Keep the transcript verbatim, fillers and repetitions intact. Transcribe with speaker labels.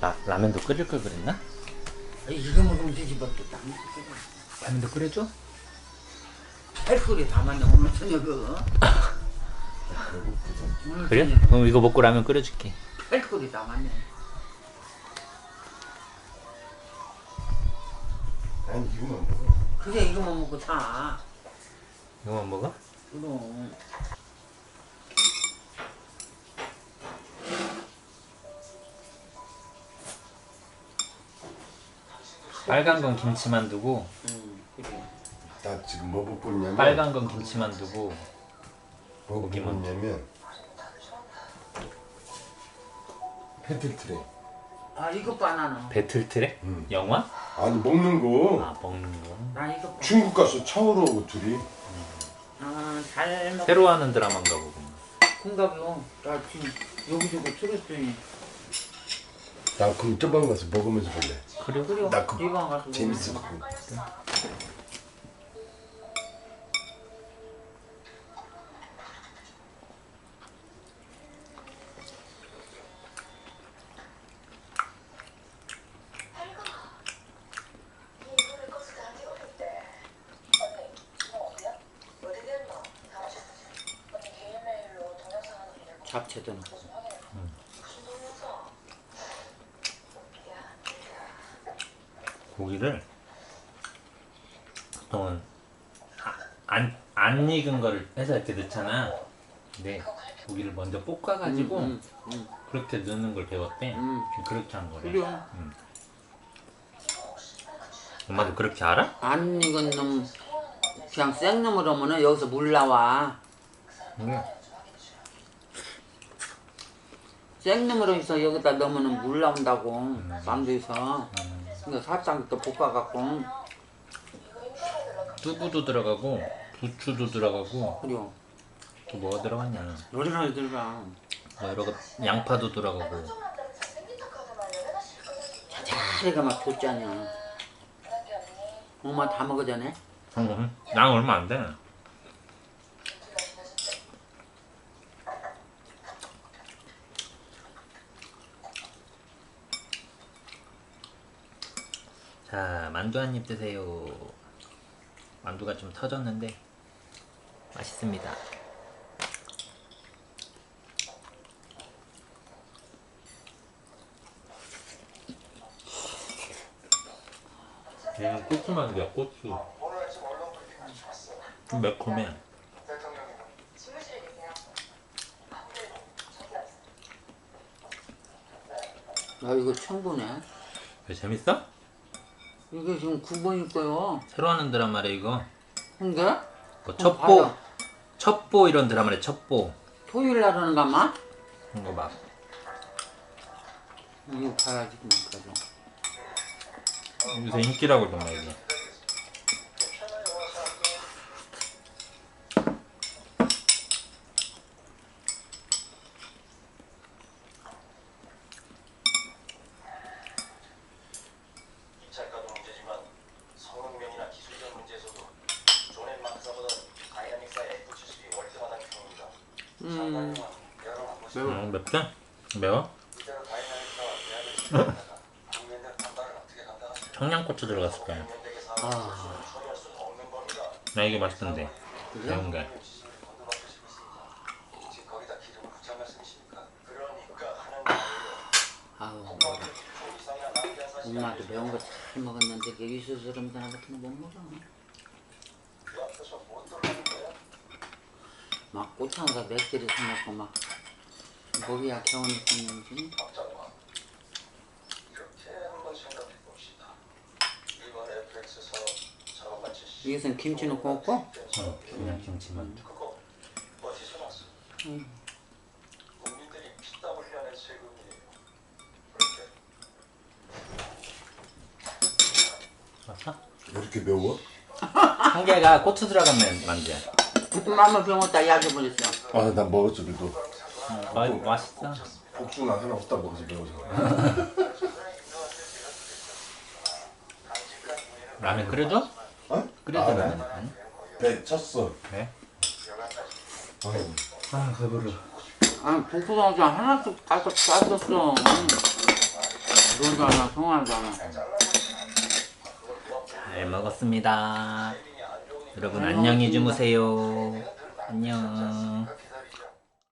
Speaker 1: 라, 라면도 끓일 걸 그랬나?
Speaker 2: 이거 먹으면 되지 뭐 또
Speaker 1: 라면도 끓여줘?
Speaker 2: 헬소리 다 맞네 오늘 저녁은.
Speaker 1: 그래? 그럼 이거 먹고 라면 끓여줄게.
Speaker 2: 헬소리 다 맞네.
Speaker 3: 아니 이거만 먹어.
Speaker 2: 그래 이거만 먹고 자.
Speaker 1: 이거만 먹어?
Speaker 2: 그럼.
Speaker 1: 빨간 건 김치만두고
Speaker 2: 응 그래.
Speaker 3: 나 지금 뭐 먹고 있냐면
Speaker 1: 빨간 건 김치만두고
Speaker 3: 뭐 먹고
Speaker 1: 고기만.
Speaker 3: 있냐면 펜틀트레.
Speaker 2: 아 이거 바나나.
Speaker 1: 배틀트랙?
Speaker 3: 응.
Speaker 1: 영화?
Speaker 3: 아니 먹는 거.
Speaker 1: 아 먹는 거.
Speaker 2: 나 이거 봐.
Speaker 3: 중국 가서 차오로 오고 둘이.
Speaker 2: 아잘 먹.
Speaker 1: 새로 하는 드라마인가 보구나.
Speaker 2: 군갑이요. 나 지금 여기저기 틀었더니.
Speaker 3: 나 그럼 저방 가서 먹으면서 볼래.
Speaker 1: 그래?
Speaker 2: 그래요.
Speaker 3: 나 그-
Speaker 2: 이방 가서
Speaker 3: 재밌어.
Speaker 2: 먹으면. 잡채도 넣고.
Speaker 1: 고기를 보통은 아, 안, 안 익은 거를 해서 이렇게 넣잖아. 근데 고기를 먼저 볶아가지고
Speaker 2: 음, 음, 음.
Speaker 1: 그렇게 넣는 걸 배웠대.
Speaker 2: 음.
Speaker 1: 그렇게 한 거래.
Speaker 2: 그래.
Speaker 1: 음. 엄마도 그렇게 알아?
Speaker 2: 안 익은 놈 그냥 생놈으로 하면은 여기서 물 나와.
Speaker 1: 그래.
Speaker 2: 생놈으로 해서 여기다 넣으면은 물 나온다고. 만두에서. 근데 살짝 이렇게 볶아갖고.
Speaker 1: 두부도 들어가고 부추도 들어가고
Speaker 2: 그래요.
Speaker 1: 또 뭐가 들어갔냐?
Speaker 2: 요리를 들어가.
Speaker 1: 뭐 여러 거 양파도 들어가고.
Speaker 2: 자자리가 막 줬잖냐. 엄마 다 먹어 전에.
Speaker 1: 응, 양 얼마 안 돼. 자, 만두 한 입 드세요. 만두가 좀 터졌는데 맛있습니다. 얘는 고추만두야, 고추. 좀 매콤해.
Speaker 2: 아 이거 청구네.
Speaker 1: 왜 재밌어?
Speaker 2: 이게 지금 구 번일 거요.
Speaker 1: 새로 하는 드라마래 이거.
Speaker 2: 근데
Speaker 1: 뭐 첩보,
Speaker 2: 봐요.
Speaker 1: 첩보 이런 드라마래. 첩보.
Speaker 2: 토요일 날 하는 가마?
Speaker 1: 그런 거 막.
Speaker 2: 이거 봐야지 그만까지.
Speaker 1: 요새 인기라고 그러나 이게.
Speaker 2: 음. 매워.
Speaker 1: 음, 맵대? 매워? 청양고추 들어갔을 거야.
Speaker 2: 아.
Speaker 1: 나 이게 맛있던데.
Speaker 2: 그래?
Speaker 1: 매운 게.
Speaker 2: 아우. 엄마도 매운 거 잘 먹었는데 여기 있어서 그런 사람 같은 거 못 먹어. 막 꽃향가 맥주를 사먹고 막 목이 약해오는 있었는지. 여기서는 김치 넣고 먹고?
Speaker 1: 어, 그냥 김치만두.
Speaker 2: 응.
Speaker 1: 맞아?
Speaker 3: 왜 이렇게 매워?
Speaker 1: 한 개가 고추 들어간 면- 만두야.
Speaker 2: 맘마 병었다 약해 버렸어.
Speaker 3: 아 나 먹었어 그래도.
Speaker 1: 아, 맛있어.
Speaker 3: 복숭아 하나 없다 먹어서 매워서.
Speaker 1: 라면 끓여줘?
Speaker 3: 어?
Speaker 1: 끓여줘,
Speaker 3: 아,
Speaker 1: 라면.
Speaker 3: 네.
Speaker 1: 응?
Speaker 3: 배 쳤어.
Speaker 1: 그래?
Speaker 3: 아유.
Speaker 1: 아, 배부르.
Speaker 2: 아니 복숭아도 하나씩 가서 땄었어. 그러잖아, 통하잖아.
Speaker 1: 잘 먹었습니다. 여러분 안녕히 주무세요. 안녕.